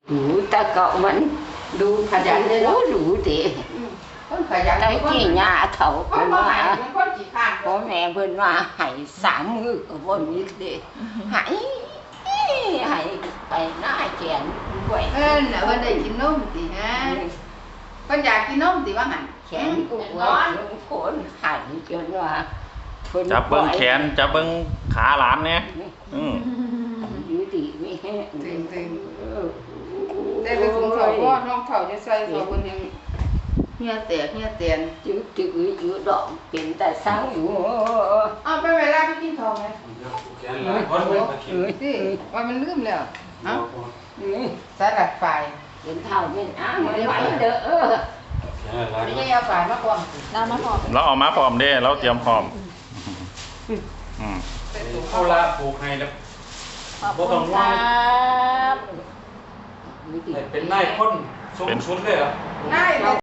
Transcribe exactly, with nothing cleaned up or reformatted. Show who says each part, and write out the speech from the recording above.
Speaker 1: đủ ta cậu vẫn đủ
Speaker 2: ขยันเลยเนาะ
Speaker 1: đủ đủ để
Speaker 2: คนขยัน
Speaker 1: cái gì nhà thầu
Speaker 2: คน
Speaker 1: bên
Speaker 2: บ่หาย
Speaker 1: mà
Speaker 2: เป็นคนขี้ข้าน
Speaker 1: có mẹ bên mà hãy sám ngự ở bên như thế hãy hãy phải nói chuyện
Speaker 2: เอ
Speaker 1: quậy
Speaker 2: อน่ะเพิ่นได้กินนมติฮะเพิ่นอยากกินนมติว่าหั่น
Speaker 1: chén cũng
Speaker 2: นอน
Speaker 1: quậy cuốn hãy cho nó phân
Speaker 3: จับเบิ้ง
Speaker 1: quậy.
Speaker 3: แขนจับเบิ้งขาหลานเนี่ยอืม
Speaker 1: dưới thì mới
Speaker 2: Tình, tình.
Speaker 1: Ừ.
Speaker 2: ได้ไปคุมเขาก็น้องเขาจะใส่เขาเพิ่นยังเฮียแตกเฮียแตน
Speaker 1: chứ chữ giữa đoạn kiến tại saoอยู่
Speaker 2: อ้าวไปเวลาไปกินข้าวไหม
Speaker 4: แขนหลายคนไม่มากิน
Speaker 2: สิว่ามันลืมแล้วเอ้า
Speaker 1: Ừ.
Speaker 2: สลัดไฟ
Speaker 1: kiến thảo bên á mà máy đỡ
Speaker 4: แขนหลาย
Speaker 2: ไม่
Speaker 4: คน
Speaker 2: ใช่เอาไฟมาก่อน
Speaker 5: เรามาหอม
Speaker 3: เราเอามาพร้อมเด้เราเตรียมพร้อมอืม
Speaker 4: เขาลาปลูกให้แล้ว
Speaker 5: ขอบคุณครับ
Speaker 4: เป็นนายคนสูงสุดเลยเหรอ
Speaker 2: ได้เลย